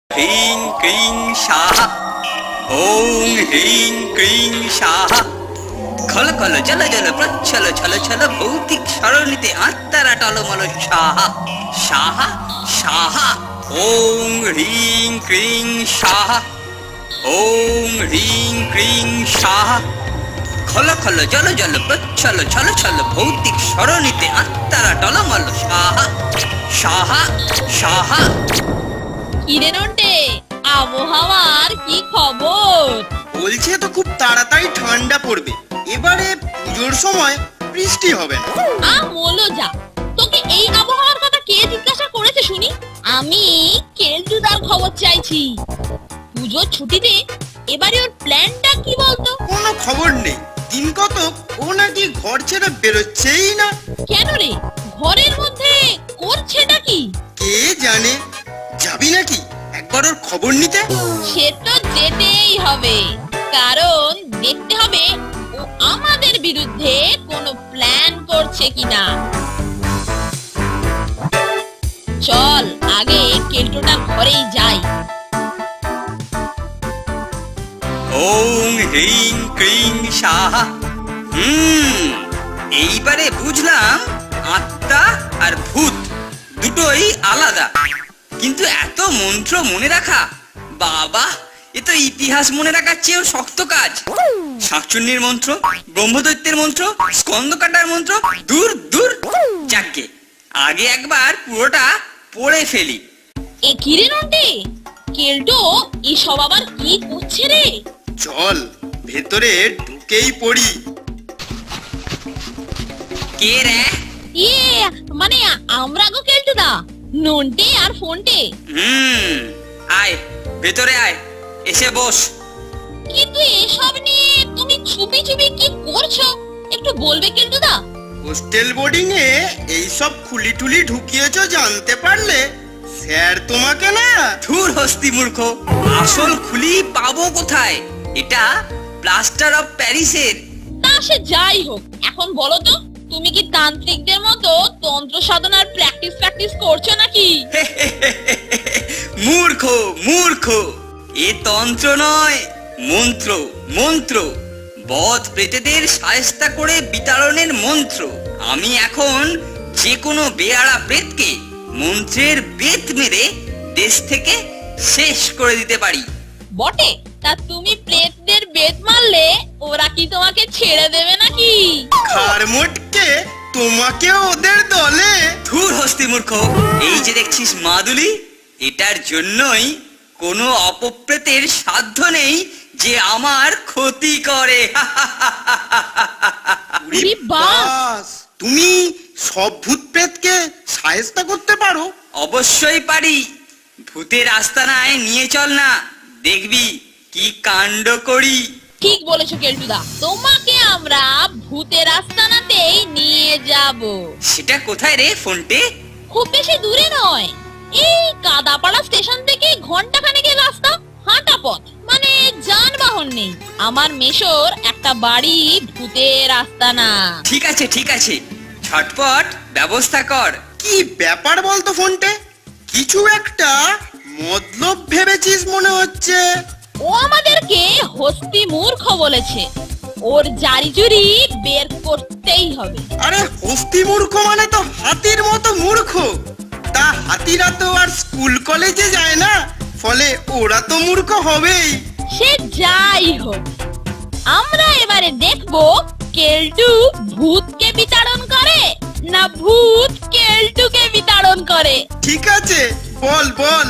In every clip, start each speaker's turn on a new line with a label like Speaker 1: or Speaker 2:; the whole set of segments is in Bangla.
Speaker 1: হ্রিং ক্রিং স্বাহা। ওং হ্রিং ক্রিং স্বাহা। খল খল জল জল প্রচ্ছল ছল ছল ভৌতিক সরণিতে আত্মারা টলমল স্বাহা স্বাহা স্বাহা। ওং হ্রিং ক্রিং স্বাহা। ওং হ্রিং ক্রিং স্বাহা। খল খল জল জল প্রচ্ছল ছল ছল ভৌতিক সরণিতে আত্মারা টলমল স্বাহা স্বাহা স্বাহা।
Speaker 2: কিরে নন্টে, আবহাওয়ার কি খবর?
Speaker 3: বলছে তো খুব তাড়াতাড়ি ঠান্ডা পড়বে, এবারে পুজোর সময় বৃষ্টি হবে না।
Speaker 2: বলো যা, তোকে এই আবহাওয়ার কথা কে জিজ্ঞাসা করেছে শুনি? আমি কেলটুদার খবর চাইছি। পুজোর ছুটিতে এবারে ওর প্ল্যানটা কি বলতো?
Speaker 3: কোনো খবর নেই, দিন কতক ও নাকি ঘর ছেড়ে বেরোচ্ছেই না।
Speaker 2: কেন রে, ঘরের মধ্যে করছেটা কি?
Speaker 3: কে জানে, যাবি নাকি একবার ওর খবর নিতে?
Speaker 2: সে তো যেতেই হবে, কারণ দেখতে হবে ও আমাদের বিরুদ্ধে কোনো প্ল্যান করছে কিনা। চল আগে কেলটুটার ঘরেই যাই।
Speaker 1: ওং হ্রিং ক্রিং স্বাহা। এইবারে বুঝলাম আত্মা আর ভূত দুটোই আলাদা, কিন্তু এত মন্ত্র মনে রাখা, বাবা এ তো ইতিহাস মনে রাখার চেয়েও শক্ত কাজ। শাকচুন্নির মন্ত্র, ব্রহ্মদৈত্যের মন্ত্র, স্কন্দকাটার মন্ত্র, দূর দূর। যাকে আগে একবার পুরোটা পড়ে ফেলি।
Speaker 2: এ কি রে নন্টে, কেলটো এসব আবার কি করছে রে?
Speaker 3: চল ভেতরে ঢুকেই পড়ি।
Speaker 1: কে রে?
Speaker 2: মানে আমরা গো কেলটুদা, নন্টে আর ফোনটে।
Speaker 1: আয় ভেতরে আয়, এসে বস।
Speaker 2: কিন্তু এসব নিয়ে তুমি চুপি চুপি কি করছো একটু বলবে কেলটুদা?
Speaker 3: হোস্টেল বোর্ডিং এ এইসব খুলি টুলি ঢুকিয়েছো জানতে পারলে স্যার তোমাকে না।
Speaker 1: ধুর হস্তি মূর্খ, আসল খুলি পাবো কোথায়? এটা প্লাস্টার অফ প্যারিসের।
Speaker 2: তা সে যাই হোক, এখন বলো তো তুমি কি তান্ত্রিকদের মতো তন্ত্র সাধনার প্র্যাকটিস করছো নাকি?
Speaker 1: মূর্খ মূর্খ, এ তন্ত্র নয়, মন্ত্র মন্ত্র। বধ প্রেতেদের শায়েস্তা করে বিতাড়নের মন্ত্র। আমি এখন যে কোনো বেয়াড়া প্রেতকে মন্ত্রের বেত মেরে দেশ থেকে শেষ করে দিতে পারি।
Speaker 2: বটে, তা তুমি প্রেতদের বেত মারলে ওরা কি তোমাকে ছেড়ে দেবে নাকি?
Speaker 3: খার মোটকে তোমাকে ওদের দলে।
Speaker 1: ধুর হস্তি মূর্খ, এই যে দেখছিস মাদুলি, এটার জন্যই কোনো অপপ্রেতের সাধ্য নেই যে আমার ক্ষতি করে।
Speaker 2: উরি বাস!
Speaker 3: বাস, তুমি সব ভূত প্রেতকে শায়েস্তা করতে পারো?
Speaker 1: অবশ্যই পারি। ভূতের আস্তানায় নিয়ে চল না, দেখবি কি কাণ্ড করি।
Speaker 2: ঠিক বলেছো কেলটুদা, তোমাকে আমরা ভূতের আস্তানাতেই নিয়ে যাব।
Speaker 1: সেটা কোথায় রে ফোনটে?
Speaker 2: খুব বেশি দূরে নয়, এই কাদাপাড়া স্টেশন থেকে ঘন্টাখানেকের রাস্তা, হাঁটা পথ, মানে যানবাহন নেই। আমার মেশোর একটা বাড়ি ভূতের আস্তানা।
Speaker 1: ঠিক আছে ঠিক আছে, ঝটপট ব্যবস্থা কর।
Speaker 3: কি ব্যাপার বলতো ফোনটে, কিছু একটা মতলব ভেবেছিস মনে হচ্ছে।
Speaker 2: ও আমাদেরকে হস্তি মূর্খ বলেছে, ওর জারি জুরি বের করতেই হবে।
Speaker 3: আরে হস্তি মূর্খ মানে তো হাতির মতো মূর্খ। তা হাতিরা তো আর স্কুল কলেজে যায় না, ফলে ওরা তো মূর্খ হবেই।
Speaker 2: সে যাই হোক, আমরা এবারে দেখবো কেলটু ভূতকে বিতাড়ন করে না ভূত কেলটুকে বিতাড়ন করে।
Speaker 3: ঠিক আছে, বল বল।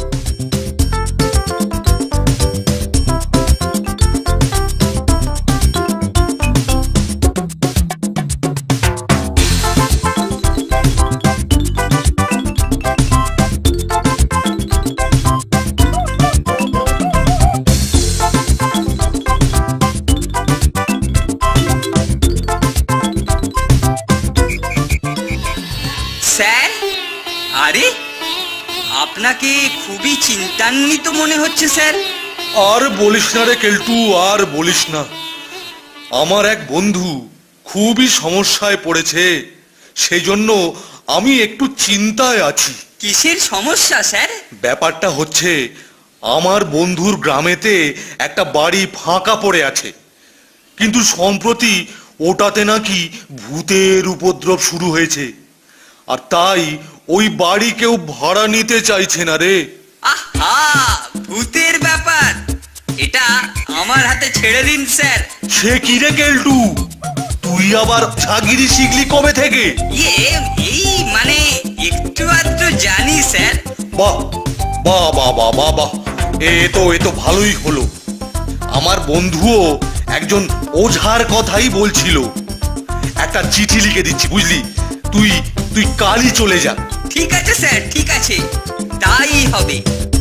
Speaker 1: স্যার, আরে আপনাকে খুবই চিন্তান্বিত মনে হচ্ছে স্যার।
Speaker 4: আর বলিস না রে কেলটু, আর বলিস না। আমার এক বন্ধু খুবই সমস্যায় পড়েছে, সেই জন্য আমি একটু চিন্তায় আছি।
Speaker 1: কিসের সমস্যা স্যার?
Speaker 4: ব্যাপারটা হচ্ছে আমার বন্ধুর গ্রামেতে একটা বাড়ি ফাঁকা পড়ে আছে, কিন্তু সম্প্রতি ওটাতে নাকি ভূতের উপদ্রব শুরু হয়েছে, আর তাই ওই বাড়ি কেউ ভাড়া নিতে চাইছে না রে।
Speaker 1: আহা, ভূতের ব্যাপার, এটা আমার হাতে ছেড়ে দিন স্যার।
Speaker 4: সে কি রে কেলটু, তুই আবার ঝাগিরি শিখলি কবে থেকে?
Speaker 1: এই মানে একটু আধটু জানি স্যার।
Speaker 4: বাহ বাহ বাহ বাহ বাহ বাহ, এ তো ভালোই হলো। আমার বন্ধুও একজন ওঝার কথাই বলছিল। একটা চিঠি লিখে দিচ্ছি, বুঝলি? তুই কালই চলে যা।
Speaker 1: ঠিক আছে স্যার, ঠিক আছে, তাই হবে।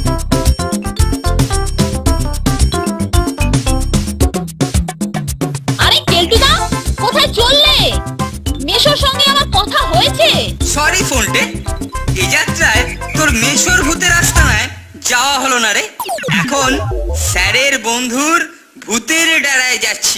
Speaker 2: আরে কেলটুদা, কোথায় চললে? মেশোর সঙ্গে আমার কথা হয়েছে।
Speaker 1: সরি ফোনটে, এই যাত্রায় তোর মেশোর ভূতের আস্তানায় যাওয়া হলো না রে। এখন স্যারের বন্ধুর ভূতের ডেরায় যাচ্ছি।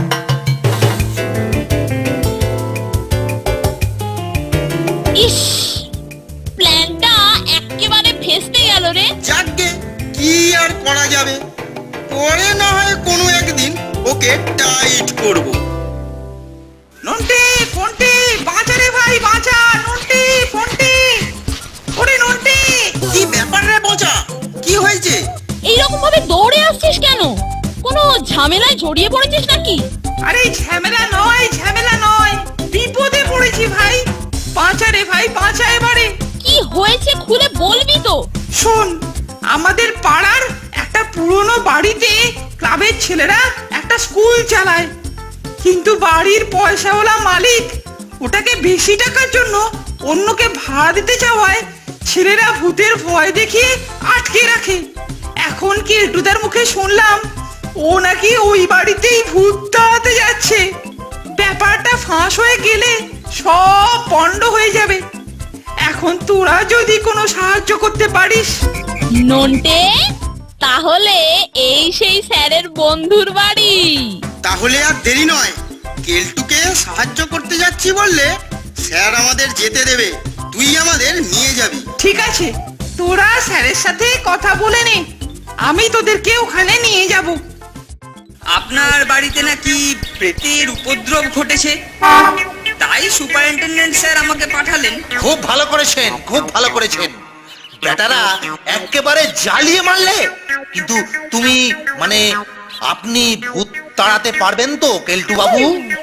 Speaker 2: ইস, প্ল্যানটা একেবারে ফেস্তে গেল রে।
Speaker 3: যাকগে, কি আর করা যাবে, পরে না হয় কোনো একদিন ওকে টাইট করব।
Speaker 5: নন্টে, ফন্টে, বাঁচা রে ভাই, বাঁচা! নন্টে, ফন্টে, ওরে নন্টে!
Speaker 3: কি ব্যাপার রে বোঝা, কি হয়েছে?
Speaker 2: এইরকম ভাবে দৌড়ে আসছিস কেন? কোনো ঝামেলায় জড়িয়ে পড়েছিস নাকি?
Speaker 5: আরে ঝামেলা নয়, বিপদে পড়েছি ভাই। বাঁচা রে ভাই, বাঁচা এবারে।
Speaker 2: কি হয়েছে খুলে বলবি তো?
Speaker 5: শোন, আমাদের পাড়ার একটা পুরনো বাড়িতে ক্লাবের ছেলেরা একটা স্কুল চালায়, কিন্তু বাড়ির পয়সাওয়ালা মালিক ওটাকে বেশি টাকার জন্য অন্যকে ভাড়া দিতে চাওয়ায় ছেলেরা ভূতের ভয় দেখিয়ে আটকে রাখে। এখন কেলটুদার মুখে শুনলাম ও নাকি ওই বাড়িতেই ভূত তাড়াতে যাচ্ছে। ব্যাপারটা ফাঁস হয়ে গেলে সব পণ্ড হয়ে যাবে। এখন তোরা যদি কোনো সাহায্য করতে পারিস।
Speaker 2: নন্টে, তাহলে এই সেই স্যারের বন্ধুর বাড়ি।
Speaker 3: তাহলে আর দেরি নয়, কেলটুকে সাহায্য করতে যাচ্ছি বললে স্যার আমাদের যেতে দেবে, তুই আমাদের নিয়ে যাবি।
Speaker 5: ঠিক আছে, তোরা স্যারের সাথে কথা বলে নে, আমি তোদেরকে ওখানে নিয়ে যাব।
Speaker 1: আপনার বাড়িতে নাকি প্রেতের উপদ্রব ঘটেছে, তাই সুপারিনটেনডেন্ট স্যার আমাকে পাঠালেন।
Speaker 6: খুব ভালো করেছেন। বেটারা একেবারে জ্বালিয়ে মারলে। কিন্তু তুমি মানে আপনি ভূত তাড়াতে পারবেন তো কেলটু বাবু?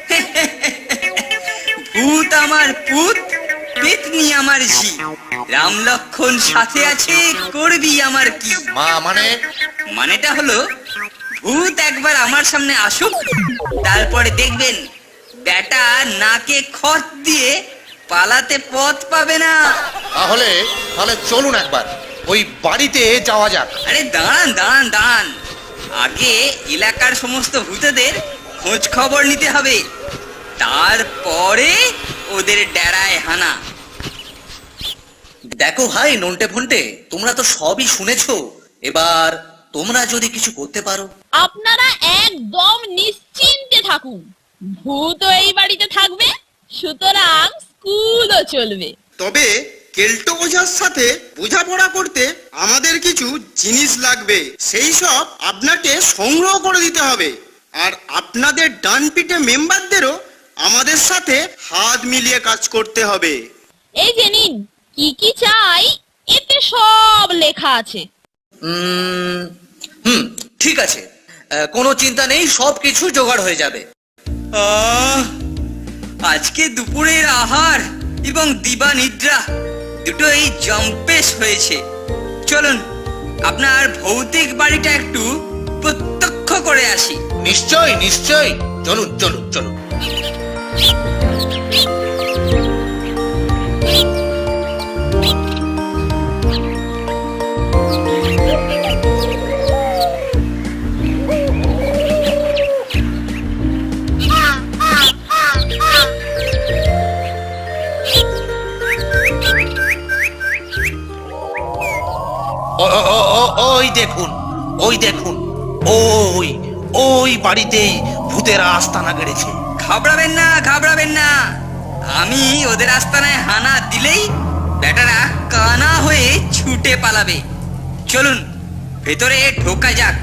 Speaker 1: ভূত আমার পুত, পেতনি আমার ঝি, রাম লক্ষণ সাথে আছে, করবি আমার কি? মানেটা হলো, ভূত একবার আমার সামনে আসুক, তারপরে দেখবেন বেটা নাকে খত দিয়ে পালাতে পথ পাবে না।
Speaker 6: তাহলে চলুন একবার ওই বাড়িতে যাওয়া যাক।
Speaker 1: আরে দাঁড়ান, আগে এলাকার সমস্ত ভূতেদের খোঁজ খবর নিতে হবে, তারপরে ওদের ডেরায় হানা।
Speaker 6: দেখো ভাই নন্টে ফন্টে, তোমরা তো সবই শুনেছো, এবার তোমরা যদি কিছু করতে পারো।
Speaker 2: আপনারা একদম নিশ্চিন্তে থাকুন, ভূতও এই বাড়িতে থাকবে, সুতরাং স্কুলও চলবে।
Speaker 3: তবে কেলটো ওঝার সাথে বোঝাপড়া করতে আমাদের কিছু জিনিস লাগবে, সেই সব আপনাকে সংগ্রহ করে দিতে হবে। আর আপনাদের ডান পিঠে মেম্বারদেরও আমাদের সাথে হাত মিলিয়ে কাজ করতে হবে।
Speaker 2: এই যে নিন, কি কি চাই এতে সব লেখা আছে।
Speaker 6: ঠিক আছে, কোনো চিন্তা নেই, সবকিছু জোগাড় হয়ে যাবে।
Speaker 1: আজকে দুপুরের আহার এবং দিবা নিদ্রা দুটোই জম্পেশ হয়েছে। চলুন আপনার ভৌতিক বাড়িটা একটু প্রত্যক্ষ করে আসি।
Speaker 6: নিশ্চয়, চলুন। ওই দেখুন, ওই বাড়িতেই ভূতেরা আস্তানা গেড়েছে।
Speaker 1: ঘাবড়াবেন না, আমি ওদের আস্তানায় হানা দিলেই বেটারা কানা হয়ে ছুটে পালাবে। চলুন ভেতরে ঢোকা যাক।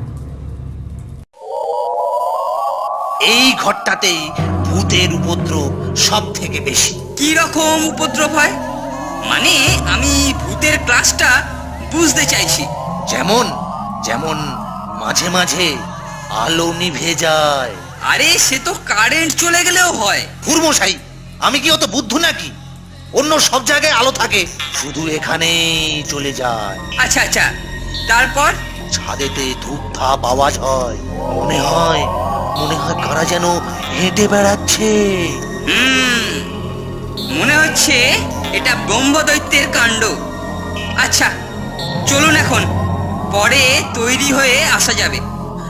Speaker 6: এই ঘরটাতেই ভূতের উপদ্রব সব থেকে বেশি।
Speaker 1: কি রকম উপদ্রব হয়? মানে আমি ভূতের ক্লাসটা বুঝতে চাইছি।
Speaker 6: যেমন যেমন মাঝে মাঝে আলো নিভে যায়।
Speaker 1: আরে সে তো কারেন্ট চলে গেলেও হয়।
Speaker 6: হুরমশাই, আমি কি অত বুদ্ধু নাকি? অন্য সব জায়গায় আলো থাকে, শুধু এখানেই চলে যায়।
Speaker 1: আচ্ছা আচ্ছা, তারপর?
Speaker 6: ছাদেতে ধূপ ধাপ আওয়াজ হয়, মনে হয় কারা যেন হেঁটে বেড়াচ্ছে।
Speaker 1: মনে হচ্ছে এটা ব্রহ্মদৈত্যের কাণ্ড। আচ্ছা চলুন এখন, পরে তৈরি হয়ে আসা যাবে।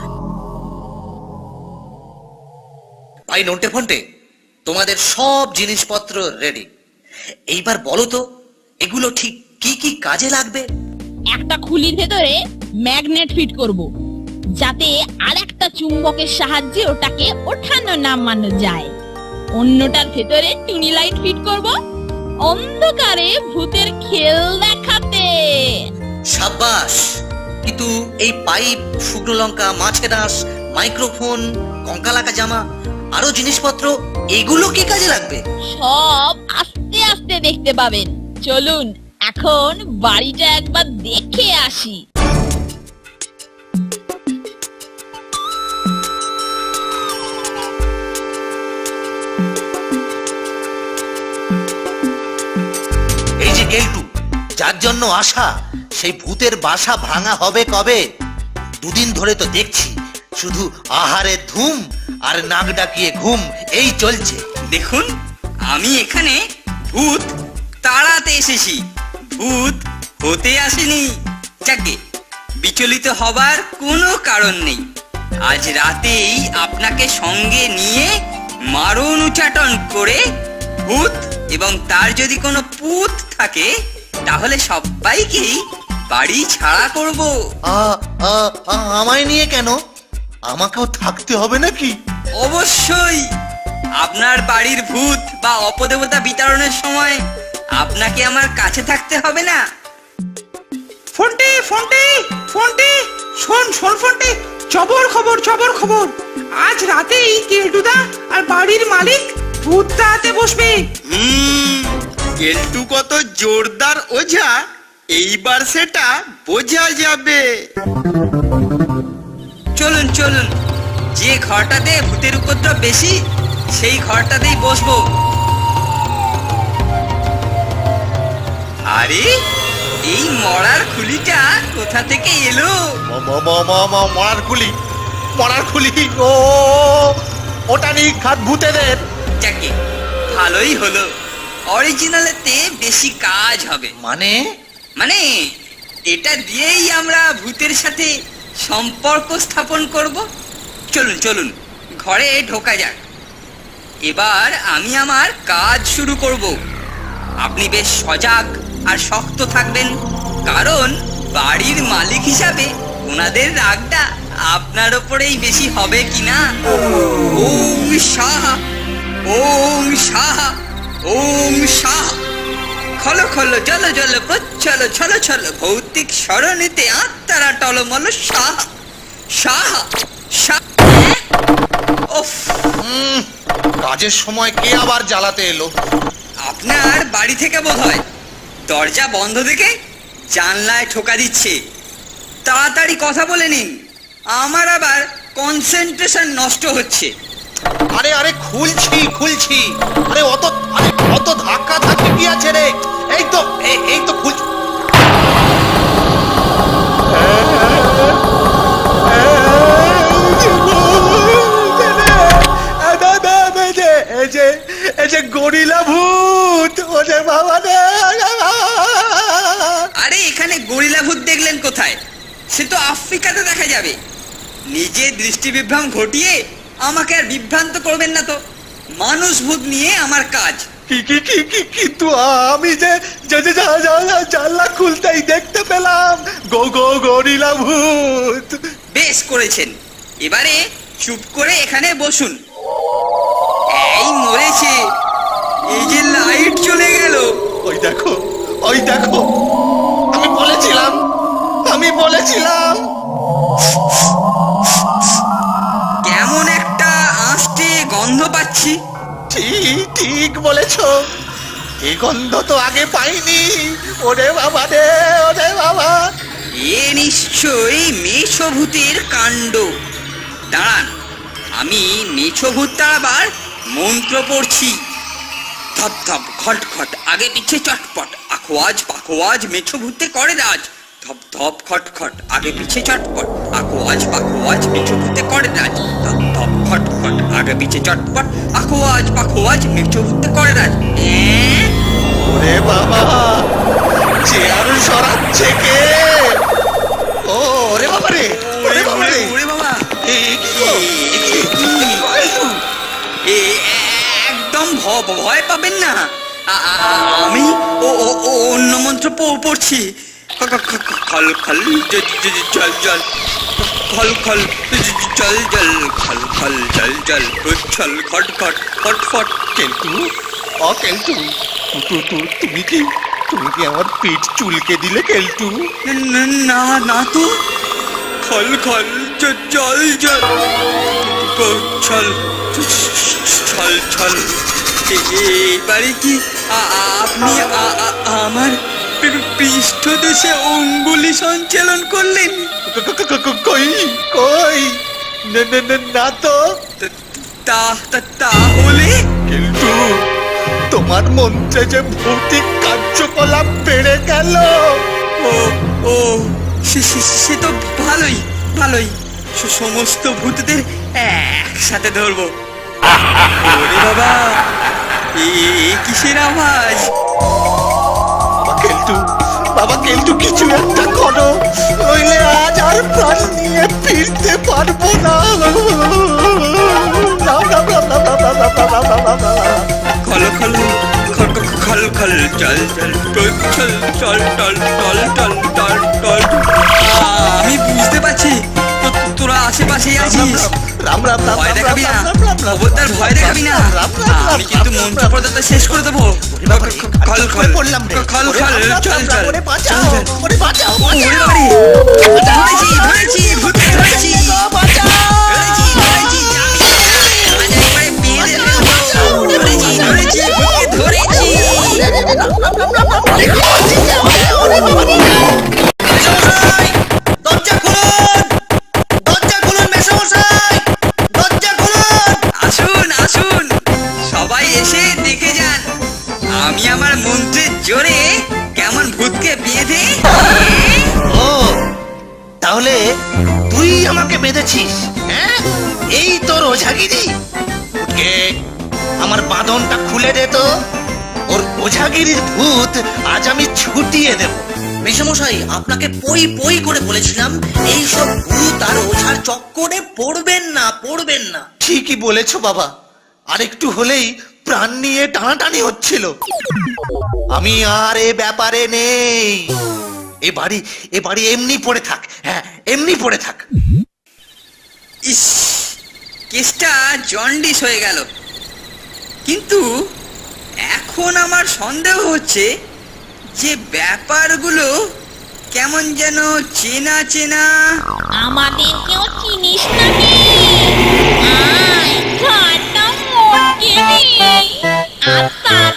Speaker 6: ভাই নন্টে ফন্টে, তোমাদের সব জিনিসপত্র রেডি। এইবার বলো তো, এগুলো ঠিক কি কি কাজে লাগবে?
Speaker 2: একটা খুলির ভেতরে ম্যাগনেট ফিট করব, যাতে আরেকটা চুম্বকের সাহায্যে ওটাকে ওঠানো নামানো যায়। অন্যটার ভেতরে টুনি লাইট ফিট করব, অন্ধকারে ভূতের খেল দেখাতে।
Speaker 6: সাব্বাস! কিন্তু এই পাইপ, শুকনো লঙ্কা, মাছের আঁশ, মাইক্রোফোন, কঙ্কালাকা জামা, আরো জিনিসপত্র, এগুলো কি কাজে লাগবে?
Speaker 2: সব আস্তে আস্তে দেখতে পাবেন। চলুন এখন বাড়িটা একবার দেখে আসি।
Speaker 6: এই যে গেলটু, যার জন্য আসা, সেই ভূতের বাসা ভাঙা হবে কবে? দুদিন ধরে তো দেখছি শুধু আহারে ধুম আর নাক ডাকিয়ে ঘুম, এই চলছে।
Speaker 1: দেখুন, আমি এখানে ভূত তাড়াতে এসেছি, ভূত হতে আসেনি। যাকে বিচলিত হবার কোনো কারণ নেই। আজ রাতেই আপনাকে সঙ্গে নিয়ে মারণ উচ্চাটন করে ভূত এবং তার যদি কোনো পুত থাকে তাহলে সবাইকেই বাড়ি ছাড়া করব।
Speaker 6: আমায় নিয়ে কেন? আমাকেও থাকতে হবে নাকি?
Speaker 1: অবশ্যই। আপনার বাড়ির ভূত বা অপদেবতা বিতরণের সময় আপনাকে আমার কাছে থাকতে হবে না?
Speaker 5: ফন্টে ফন্টে ফন্টে, শোন শোন ফন্টে, খবর খবর। আজ রাতেই কেলটুদা আর বাড়ির মালিক ভূত তাড়াতে বসবে।
Speaker 3: কেলটু কত জোরদার ওঝা, এইবার সেটা বোঝা যাবে।
Speaker 1: চলুন চলুন, যে ঘরটাতে ভূতের উপদ্রব বেশি সেই ঘরটাতেই বসবো। আরে এই মরার খুলিটা কোথা থেকে এলো?
Speaker 6: মরার খুলি, ও ওটা নিখাত ভূতেদের।
Speaker 1: যাকে ভালোই হলো, অরিজিনালেতে বেশি কাজ হবে। মানে এটা দিয়েই আমরা ভূতের সাথে সম্পর্ক স্থাপন করব। চলুন চলুন, ঘরে ঢোকা যাক। এবার আমি আমার কাজ শুরু করব। আপনি বেশ সজাগ আর শক্ত থাকবেন, কারণ বাড়ির মালিক হিসাবে ওনাদের রাগটা আপনার ওপরেই বেশি হবে কিনা। ওম সাহা, ওম সাহা, ওম সাহা। খলো খলো জল জল প্রচ্ছল ছল ছল, ভৌতিক সরণিতে আত্মারা টলমল সাহা সাহা সাহা। ওফ,
Speaker 6: কাজের সময় কে আবার জ্বালাতে এলো?
Speaker 1: আপনার বাড়ি থেকে বোধহয়। দরজা বন্ধ দেখে জানলায় ঠোকা দিচ্ছে। তাড়াতাড়ি কথা বলে নিন, আমার আবার কনসেন্ট্রেশন নষ্ট হচ্ছে।
Speaker 6: আরে খুলছি। আরে অত ধাক্কা ধাক্কি কি আছে রে? এই তো খুলছি।
Speaker 4: গরিলা ভূত, ওরে বাবা রে!
Speaker 1: আরে এখানে গরিলা ভূত দেখলেন কোথায়? সে তো আফ্রিকাতে দেখা যাবে। নিজে দৃষ্টি বিভ্রম ঘটিয়ে আমাকে আর বিভ্রান্ত করবেন না তো। মানুষ ভূত নিয়ে আমার কাজ।
Speaker 4: কিন্তু আমি যে জানলা খুলতেই দেখতে পেলাম গরিলা ভূত।
Speaker 1: বেশ করেছেন, এবারে চুপ করে এখানে বসুন। এই মরেছে, এই যে লাইট চলে গেল।
Speaker 4: ওই দেখো, আমি
Speaker 6: বলেছিলাম।
Speaker 1: কেমন একটা আঁশটে গন্ধ পাচ্ছি।
Speaker 6: ঠিক ঠিক বলেছ, এই গন্ধ তো আগে পাইনি। ওরে বাবা রে, ওরে বাবা।
Speaker 1: এ নিশ্চয়ই মেষভূতের কাণ্ড। দাঁড়ান, আমি মেষভূত তাড়াবার মন্ত্র পড়ছি। ধপ ধপ খট খট আগে পিছে চটপট, আখোয়াজ পাখোয়াজ মেছভূতে করে রাজ। ধপ ধপ খট খট আগে পিছে চটপট, আখোয়াজ পাখোয়াজ মেছভূতে করে রাজ। ধপ ধপ খট খট আগে পিছে চটপট, আখোয়াজ পাখোয়াজ মেছভূতে করে রাজ।
Speaker 6: ওরে বাবা, চেয়ার সরাচ্ছে কে? ও ওরে বাবা রে, ওরে বাবা রে।
Speaker 1: ওরে বাবা,
Speaker 6: এই কি গো?
Speaker 1: একদম ভয় পাবেন না। আমি অন্য মন্ত্র পড়ছি। খল খল জল জল, খল খল জল জল, খল খল জল জল, উচ্ছল খট খট ফট ফট।
Speaker 6: কেলটু, ও কেলটু, তুমি কি আমার পিঠ চুলকে দিলে কেলটু?
Speaker 1: না না তো। খল খল জল জল, ছল ছল ছল। এবারে কি আপনি আমার পৃষ্ঠদেশে অঙ্গুলি সঞ্চালন করলেন?
Speaker 6: কই কই, না তো।
Speaker 1: তাহলে
Speaker 6: কিন্তু তোমার মন্ত্রে যে ভৌতিক কার্যকলাপ বেড়ে গেল।
Speaker 1: ও ও সে তো ভালোই ভালোই। সমস্ত ভূতদের একসাথে ধরবো। ওরে বাবা, কিসের আওয়াজ?
Speaker 6: বাবা কেলটু, কিছু একটা করো, নইলে আজ আর প্রাণ নিয়ে ফিরতে পারবো না।
Speaker 1: খল খল খল খল চল চল, চল চল টল টল টল টল টল। আমি বুঝতে পারছি তোরা আশেপাশেই আছিস।
Speaker 6: রাম রাম রাম,
Speaker 1: ভয় দেখাবি না, খবরদার ভয় দেখাবি না। আমি কিন্তু মন্ত্র পর্দাটা শেষ করে দেবো। খল খল
Speaker 6: পড়লাম রে।
Speaker 1: খল খল চল চল।
Speaker 6: ওরে বাঁচাও, ওরে বাঁচাও,
Speaker 1: ওরে বাবারে, ধরেছি ধরেছি, ভূতকে ধরেছি। ধরেছি ধরেছি, আজ একবারে মেরে ফেলবো। ধরেছি ধরেছি, ভূতকে ধরেছি।
Speaker 6: মেসোমশাই, দরজা খুলুন, দরজা খুলুন মেসোমশাই, দরজা খুলুন।
Speaker 1: আসুন আসুন, সবাই এসে দেখে যান আমি আমার মন্ত্রের জোরে কেমন ভূতকে বেঁধে।
Speaker 6: ও, তাহলে তুই আমাকে বেঁধেছিস? হ্যাঁ, এই তোর ওঝাগিরি? উঠকে আমার বাঁধনটা খুলে দে তো। ওর ওঝাগিরির ভূত আজ আমি ছুটিয়ে দেব।
Speaker 7: মেশামশাই, আপনাকে পই পই করে বলেছিলাম এইসব ভূত আর ওঝার চক্করে পড়বেন না, পড়বেন না।
Speaker 6: ঠিকই বলেছো বাবা, আরেকটু হলেই প্রাণ নিয়ে টানাটানি হচ্ছিল। আমি আর এ ব্যাপারে নেই। এ বাড়ি এমনি পড়ে থাক। হ্যাঁ, এমনি পড়ে থাক।
Speaker 1: ইস, কেসটা জন্ডিস হয়ে গেল। কিন্তু এখন আমার সন্দেহ হচ্ছে যে ব্যাপারগুলো কেমন যেন চেনা চেনা।
Speaker 2: আমাদেরকেও চিনিস নাকি? আয় ঘাটটা মোটকে নে, আর